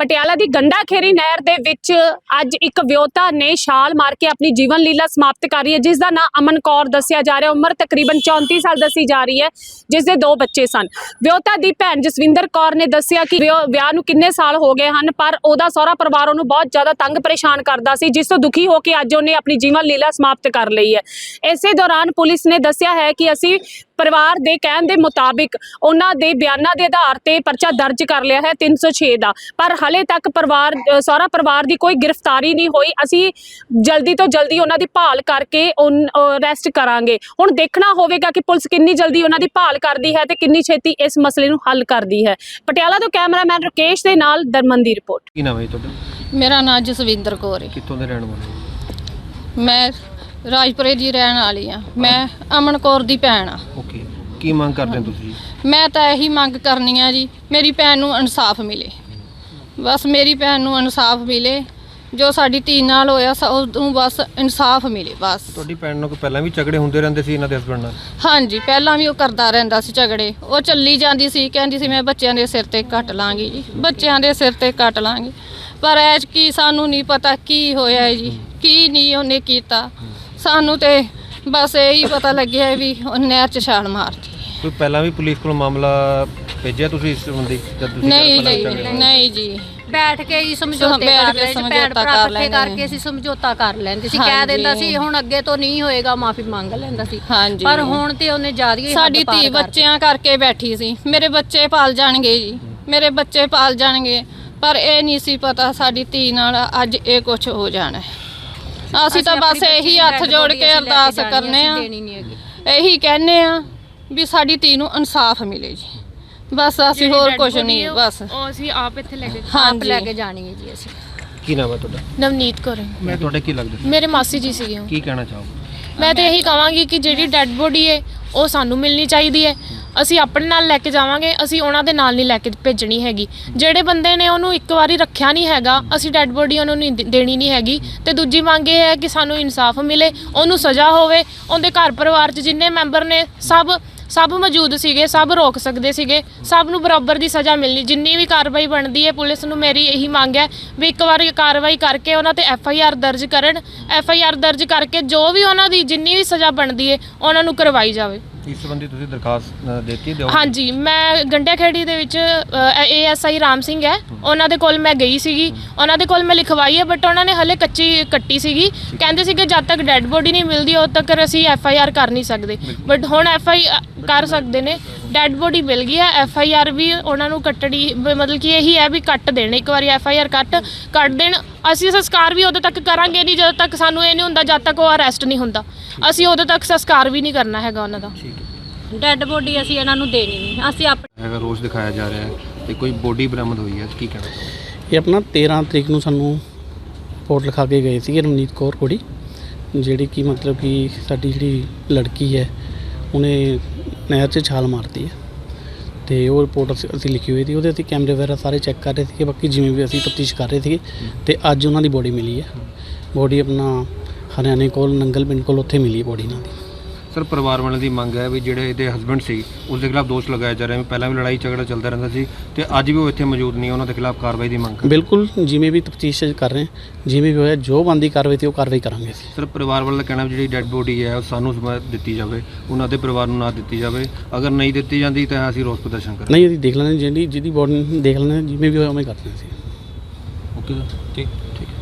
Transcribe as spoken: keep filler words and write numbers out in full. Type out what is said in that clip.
ਪਟਿਆਲਾ ਦੀ ਗੰਡਾਖੇਰੀ ਨਹਿਰ ਦੇ ਵਿੱਚ ਅੱਜ ਇੱਕ ਵਿਆਹੁਤਾ ਨੇ ਛਾਲ ਮਾਰ ਕੇ ਆਪਣੀ ਜੀਵਨ ਲੀਲਾ ਸਮਾਪਤ ਕਰ ਰਹੀ ਹੈ, ਜਿਸ ਦਾ ਨਾਂ ਅਮਨ ਕੌਰ ਦੱਸਿਆ ਜਾ ਰਿਹਾ। ਉਮਰ ਤਕਰੀਬਨ ਚੌਂਤੀ ਸਾਲ ਦੱਸੀ ਜਾ ਰਹੀ ਹੈ, ਜਿਸ ਦੇ ਦੋ ਬੱਚੇ ਸਨ। ਵਿਆਹੁਤਾ ਦੀ ਭੈਣ ਜਸਵਿੰਦਰ ਕੌਰ ਨੇ ਦੱਸਿਆ ਕਿ ਵਿਆਹ ਨੂੰ ਕਿੰਨੇ ਸਾਲ ਹੋ ਗਏ ਹਨ, ਪਰ ਉਹਦਾ ਸਹੁਰਾ ਪਰਿਵਾਰ ਉਹਨੂੰ ਬਹੁਤ ਜ਼ਿਆਦਾ ਤੰਗ ਪਰੇਸ਼ਾਨ ਕਰਦਾ ਸੀ, ਜਿਸ ਤੋਂ ਦੁਖੀ ਹੋ ਕੇ ਅੱਜ ਉਹਨੇ ਆਪਣੀ ਜੀਵਨ ਲੀਲਾ ਸਮਾਪਤ ਕਰ ਲਈ ਹੈ। ਇਸੇ ਦੌਰਾਨ ਪੁਲਿਸ ਨੇ ਦੱਸਿਆ ਹੈ ਕਿ ਅਸੀਂ ਪਰਿਵਾਰ ਦੇ ਕਹਿਣ ਦੇ ਮੁਤਾबिक ਉਹਨਾਂ ਦੇ ਬਿਆਨਾਂ ਦੇ ਆਧਾਰ ਤੇ ਪਰਚਾ ਦਰਜ ਕਰ ਲਿਆ ਹੈ ਤਿੰਨ ਸੌ ਛੇ ਦਾ, ਪਰ ਹਲੇ ਤੱਕ ਪਰਿਵਾਰ ਸਹੁਰਾ ਪਰਿਵਾਰ ਦੀ ਕੋਈ ਗ੍ਰਿਫਤਾਰੀ ਨਹੀਂ ਹੋਈ। ਅਸੀਂ ਜਲਦੀ ਤੋਂ ਜਲਦੀ ਉਹਨਾਂ ਦੀ ਭਾਲ ਕਰਕੇ ਅਰੈਸਟ ਕਰਾਂਗੇ। ਹੁਣ ਦੇਖਣਾ ਹੋਵੇਗਾ ਕਿ ਪੁਲਿਸ ਕਿੰਨੀ ਜਲਦੀ ਉਹਨਾਂ ਦੀ ਭਾਲ ਕਰਦੀ ਹੈ ਤੇ ਕਿੰਨੀ ਛੇਤੀ ਇਸ ਮਸਲੇ ਨੂੰ ਹੱਲ ਕਰਦੀ ਹੈ। ਪਟਿਆਲਾ ਤੋਂ ਕੈਮਰਾਮੈਨ ਰਕੇਸ਼ ਦੇ ਨਾਲ ਦਰਮਨ ਦੀ ਰਿਪੋਰਟ। ਕੀ ਨਾਮ ਹੈ ਤੁਹਾਡਾ? ਮੇਰਾ ਨਾਮ ਜਸਵਿੰਦਰ ਕੌਰ ਹੈ। ਕਿੱਥੋਂ ਦੇ ਰਹਿਣ ਵਾਲੇ ਹੋ? ਮੈਂ ਰਾਜਪੁਰੇ ਦੀ ਰਹਿਣ ਵਾਲੀ ਆ। ਮੈਂ ਅਮਨ ਕੌਰ ਦੀ ਭੈਣ ਆ। ਓਕੇ, ਕੀ ਮੰਗ ਕਰਦੇ ਹੋ ਤੁਸੀਂ? ਮੈਂ ਤਾਂ ਇਹੀ ਮੰਗ ਕਰਨੀ ਆ ਜੀ, ਮੇਰੀ ਭੈਣ ਨੂੰ ਇਨਸਾਫ ਮਿਲੇ। ਬਸ ਮੇਰੀ ਭੈਣ ਨੂੰ ਇਨਸਾਫ ਮਿਲੇ, ਜੋ ਸਾਡੀ ਧੀ ਨਾਲ ਹੋਇਆ ਉਹਨੂੰ ਬਸ ਇਨਸਾਫ ਮਿਲੇ ਬਸ। ਤੁਹਾਡੀ ਭੈਣ ਨੂੰ ਪਹਿਲਾਂ ਵੀ ਝਗੜੇ ਹੁੰਦੇ ਰਹਿੰਦੇ ਸੀ ਇਹਨਾਂ ਦੇ ਹਸਬੰਡ ਨਾਲ? ਹਾਂਜੀ, ਪਹਿਲਾਂ ਵੀ ਉਹ ਕਰਦਾ ਰਹਿੰਦਾ ਸੀ ਝਗੜੇ। ਉਹ ਚੱਲੀ ਜਾਂਦੀ ਸੀ, ਕਹਿੰਦੀ ਸੀ ਮੈਂ ਬੱਚਿਆਂ ਦੇ ਸਿਰ ਤੇ ਕੱਟ ਲਾਂਗੀ ਜੀ, ਬੱਚਿਆਂ ਦੇ ਸਿਰ ਤੇ ਕੱਟ ਲਾਂਗੀ। ਪਰ ਐਜ ਕੀ ਸਾਨੂੰ ਨਹੀਂ ਪਤਾ ਕੀ ਹੋਇਆ ਜੀ, ਕੀ ਨਹੀਂ ਉਹਨੇ ਕੀਤਾ। ਸਾਨੂੰ ਤੇ ਬਸ ਇਹੀ ਪਤਾ ਲੱਗਿਆ ਵੀ ਉਹ ਨਹਿਰ 'ਚ ਛਾਲ ਮਾਰਤੀ। ਕੋਈ ਪਹਿਲਾਂ ਵੀ ਪੁਲਿਸ ਕੋਲ ਮਾਮਲਾ ਭੇਜਿਆ ਤੁਸੀਂ ਇਸ ਸੰਬੰਧੀ? ਨਹੀਂ ਜੀ, ਨਹੀਂ ਜੀ। ਬੈਠ ਕੇ ਹੀ ਸਮਝੌਤੇ ਕਰ ਲੈਂਦੇ ਸੀ, ਭੈਣ ਭਰਾ ਇਕੱਠੇ ਕਰਕੇ ਅਸੀਂ ਸਮਝੌਤਾ ਕਰ ਲੈਂਦੇ ਸੀ, ਕਹਿ ਦਿੰਦਾ ਸੀ ਹੁਣ ਅੱਗੇ ਤੋਂ ਨਹੀਂ ਹੋਏਗਾ, ਮਾਫੀ ਮੰਗ ਲੈਂਦਾ ਸੀ। ਪਰ ਹੁਣ ਤੇ ਉਹਨੇ ਜ਼ਿਆਦਾ ਹੀ ਸਾਡੀ ਧੀ ਬੱਚਿਆਂ ਕਰਕੇ ਬੈਠੀ ਸੀ, ਮੇਰੇ ਬੱਚੇ ਪਾਲ ਜਾਣਗੇ ਜੀ, ਮੇਰੇ ਬੱਚੇ ਪਾਲ ਜਾਣਗੇ। ਪਰ ਇਹ ਨਹੀਂ ਸੀ ਪਤਾ ਸਾਡੀ ਧੀ ਨਾਲ ਅੱਜ ਇਹ ਕੁਝ ਹੋ ਜਾਣਾ ਹੈ। ਅਸੀਂ ਤਾਂ ਬਸ ਇਹੀ ਹੱਥ ਜੋੜ ਕੇ ਅਰਦਾਸ ਕਰਨੇ ਆ, ਇਹੀ ਕਹਿੰਨੇ ਆ ਵੀ ਸਾਡੀ ਧੀ ਨੂੰ ਇਨਸਾਫ ਮਿਲੇ ਜੀ। ਬਸ ਅਸੀਂ ਹੋਰ ਕੁਝ ਨਹੀਂ, ਬਸ ਉਹ ਅਸੀਂ ਆਪ ਇੱਥੇ ਲੈ ਕੇ ਆਪ ਲੈ ਕੇ ਜਾਣੀ ਹੈ ਜੀ। ਅਸੀਂ ਕੀ ਨਾਮ ਹੈ ਤੁਹਾਡਾ? ਨਵਨੀਤ ਕੌਰ। ਮੈਂ ਤੁਹਾਡੇ ਕੀ ਲੱਗਦਾ? ਮੇਰੇ ਮਾਸੀ ਜੀ ਸੀਗੇ। ਕੀ ਕਹਿਣਾ ਚਾਹੋਗੇ? ਮੈਂ ਤਾਂ ਇਹੀ ਕਹਾਂਗੀ ਕਿ ਜਿਹੜੀ ਡੈੱਡ ਬੋਡੀ ਹੈ ਉਹ ਸਾਨੂੰ ਮਿਲਣੀ ਚਾਹੀਦੀ ਹੈ। ਅਸੀਂ ਆਪਣੇ ਨਾਲ ਲੈ ਕੇ ਜਾਵਾਂਗੇ, ਅਸੀਂ ਉਹਨਾਂ ਦੇ ਨਾਲ ਨਹੀਂ ਲੈ ਕੇ ਭੇਜਣੀ ਹੈਗੀ। ਜਿਹੜੇ ਬੰਦੇ ਨੇ ਉਹਨੂੰ ਇੱਕ ਵਾਰੀ ਰੱਖਿਆ ਨਹੀਂ ਹੈਗਾ, ਅਸੀਂ ਡੈੱਡ ਬੋਡੀ ਉਹਨੂੰ ਨਹੀਂ ਦੇਣੀ ਨਹੀਂ ਹੈਗੀ। ਤੇ ਦੂਜੀ ਮੰਗ ਇਹ ਹੈ ਕਿ ਸਾਨੂੰ ਇਨਸਾਫ ਮਿਲੇ, ਉਹਨੂੰ ਸਜ਼ਾ ਹੋਵੇ। ਉਹਦੇ ਘਰ ਪਰਿਵਾਰ 'ਚ ਜਿੰਨੇ ਮੈਂਬਰ ਨੇ ਸਭ ਸਭ ਮੌਜੂਦ ਸੀਗੇ, ਸਭ ਰੋਕ ਸਕਦੇ ਸੀਗੇ। ਸਭ ਨੂੰ ਬਰਾਬਰ ਦੀ ਸਜ਼ਾ ਮਿਲਣੀ, ਜਿੰਨੀ ਵੀ ਕਾਰਵਾਈ ਬਣਦੀ ਹੈ। ਪੁਲਿਸ ਨੂੰ ਮੇਰੀ ਇਹੀ ਮੰਗ ਹੈ ਵੀ ਇੱਕ ਵਾਰੀ ਕਾਰਵਾਈ ਕਰਕੇ ਉਹਨਾਂ ਤੇ ਐਫ ਆਈ ਆਰ ਦਰਜ ਕਰਨ। ਐਫ ਆਈ ਆਰ ਦਰਜ ਕਰਕੇ ਜੋ ਵੀ ਉਹਨਾਂ ਦੀ ਜਿੰਨੀ ਵੀ ਸਜ਼ਾ ਬਣਦੀ ਹੈ ਉਹਨਾਂ ਨੂੰ ਕਰਵਾਈ ਜਾਵੇ। ਇਸ ਸੰਬੰਧੀ ਤੁਸੀਂ ਦਰਖਾਸਤ ਦਿੱਤੀ ਦਿਓ? ਹਾਂਜੀ, ਮੈਂ ਗੰਡਾਖੇੜੀ ਦੇ ਵਿੱਚ A S I Ram Singh ਹੈ, ਉਹਨਾਂ ਦੇ ਕੋਲ ਮੈਂ ਗਈ ਸੀਗੀ, ਉਹਨਾਂ ਦੇ ਕੋਲ ਮੈਂ ਲਿਖਵਾਈ ਹੈ। ਬਟ ਉਹਨਾਂ ਨੇ ਹਲੇ ਕੱਚੀ ਕੱਟੀ ਸੀਗੀ, ਕਹਿੰਦੇ ਸੀਗੇ ਜਦ ਤੱਕ ਡੈੱਡ ਬੋਡੀ ਨਹੀਂ ਮਿਲਦੀ ਉਦੋਂ ਤੱਕ ਅਸੀਂ ਐਫ ਆਈ ਆਰ ਕਰ ਨਹੀਂ ਸਕਦੇ। ਬਟ ਹੁਣ ਐਫ ਆਈ ਕਰ ਸਕਦੇ ਨੇ, ਡੈੱਡ ਬੋਡੀ ਮਿਲ ਗਈ ਹੈ। ਐਫ ਆਈ ਆਰ ਵੀ ਉਹਨਾਂ ਨੂੰ ਕੱਟਣੀ, ਮਤਲਬ ਕਿ ਇਹੀ ਹੈ ਵੀ ਕੱਟ ਦੇਣ, ਇੱਕ ਵਾਰੀ ਐਫ ਆਈ ਆਰ ਕੱਟ ਕੱਟ ਦੇਣ। ਅਸੀਂ ਸੰਸਕਾਰ ਵੀ ਉਦੋਂ ਤੱਕ ਕਰਾਂਗੇ ਨਹੀਂ ਜਦੋਂ ਤੱਕ ਸਾਨੂੰ ਇਹ ਨਹੀਂ ਹੁੰਦਾ, ਜਦ ਤੱਕ ਉਹ ਅਰੈਸਟ ਨਹੀਂ ਹੁੰਦਾ ਅਸੀਂ ਉਦੋਂ ਤੱਕ ਸੰਸਕਾਰ ਵੀ ਨਹੀਂ ਕਰਨਾ ਹੈਗਾ ਉਹਨਾਂ ਦਾ। ਡੈੱਡ ਬੋਡੀ ਅਸੀਂ ਇਹਨਾਂ ਨੂੰ ਦੇਣੀ ਨਹੀਂ। ਅਸੀਂ ਆਪਣੇ ਹੈਗਾ ਰੋਜ਼ ਦਿਖਾਇਆ ਜਾ ਰਿਹਾ ਹੈ ਤੇ ਕੋਈ ਬੋਡੀ ਬਰਾਮਦ ਹੋਈ ਹੈ, ਕੀ ਕਹਿਣਾ ਚਾਹੋਗੇ? ਇਹ ਆਪਣਾ ਤੇਰ੍ਹਾਂ ਤਰੀਕ ਨੂੰ ਸਾਨੂੰ ਰਿਪੋਰਟ ਲਿਖਾ ਕੇ ਗਏ ਸੀਗੇ, ਰਮਨੀਤ ਕੌਰ ਕੁੜੀ, ਜਿਹੜੀ ਕਿ ਮਤਲਬ ਕਿ ਸਾਡੀ ਜਿਹੜੀ ਲੜਕੀ ਹੈ ਉਹਨੇ ਨਹਿਰ 'ਚ ਛਾਲ ਮਾਰਤੀ ਹੈ। ਤੇ ਉਹ ਰਿਪੋਰਟ ਅਸੀਂ ਅਸੀਂ ਲਿਖੀ ਹੋਈ ਸੀ, ਉਹਦੇ ਅਸੀਂ ਕੈਮਰੇ ਵਗੈਰਾ ਸਾਰੇ ਚੈੱਕ ਕਰ ਰਹੇ ਸੀਗੇ। ਬਾਕੀ ਜਿਵੇਂ ਵੀ ਅਸੀਂ ਤਫਤੀਸ਼ ਕਰ ਰਹੇ ਸੀਗੇ ਤੇ ਅੱਜ ਉਹਨਾਂ ਦੀ ਬੋਡੀ ਮਿਲੀ ਹੈ। ਬੋਡੀ ਆਪਣਾ ਹਰਿਆਣੇ ਕੋਲ ਨੰਗਲ ਪਿੰਡ ਕੋਲ ਉੱਥੇ ਮਿਲੀ ਬੋਡੀ ਇਹਨਾਂ ਦੀ। ਸਰ, ਪਰਿਵਾਰ ਵਾਲਿਆਂ ਦੀ ਮੰਗ ਹੈ ਵੀ ਜਿਹੜੇ ਇਹਦੇ ਹਸਬੰਡ ਸੀ ਉਸ ਦੇ ਖਿਲਾਫ ਦੋਸ਼ ਲਗਾਇਆ ਜਾ ਰਿਹਾ ਹੈ, ਪਹਿਲਾਂ ਵੀ ਲੜਾਈ ਝਗੜਾ ਚੱਲਦਾ ਰਹਿੰਦਾ ਸੀ ਤੇ ਅੱਜ ਵੀ ਉਹ ਇੱਥੇ ਮੌਜੂਦ ਨਹੀਂ, ਉਹਨਾਂ ਦੇ ਖਿਲਾਫ ਕਾਰਵਾਈ ਦੀ ਮੰਗ। ਬਿਲਕੁਲ, ਜਿਵੇਂ ਵੀ ਤਫਤੀਸ਼ ਕਰ ਰਹੇ ਜਿਵੇਂ ਵੀ ਹੋਇਆ ਜੋ ਬਣਦੀ ਕਾਰਵਾਈ ਤੇ ਉਹ ਕਾਰਵਾਈ ਕਰਾਂਗੇ ਅਸੀਂ। ਸਰ, ਪਰਿਵਾਰ ਵਾਲਾ ਦਾ ਕਹਿਣਾ ਜਿਹੜੀ ਡੈੱਡ ਬੋਡੀ ਹੈ ਉਹ ਸਾਨੂੰ ਦਿੱਤੀ ਜਾਵੇ, ਉਹਨਾਂ ਦੇ ਪਰਿਵਾਰ ਨੂੰ ਨਾ ਦਿੱਤੀ ਜਾਵੇ। ਅਗਰ ਨਹੀਂ ਦਿੱਤੀ ਜਾਂਦੀ ਤਾਂ ਅਸੀਂ ਰੋਸ ਪ੍ਰਦਰਸ਼ਨ ਕਰਾਂਗੇ। ਨਹੀਂ, ਅਸੀਂ ਦੇਖ ਲੈਂਦੇ ਜਿਹੜੀ ਜਿਹਦੀ ਬੋਡੀ ਦੇਖ ਲੈਂਦੇ, ਜਿਵੇਂ ਵੀ ਹੋਇਆ ਉਵੇਂ ਕਰਦੇ ਅਸੀਂ। ਓਕੇ ਸਰ, ਠੀਕ ਠੀਕ।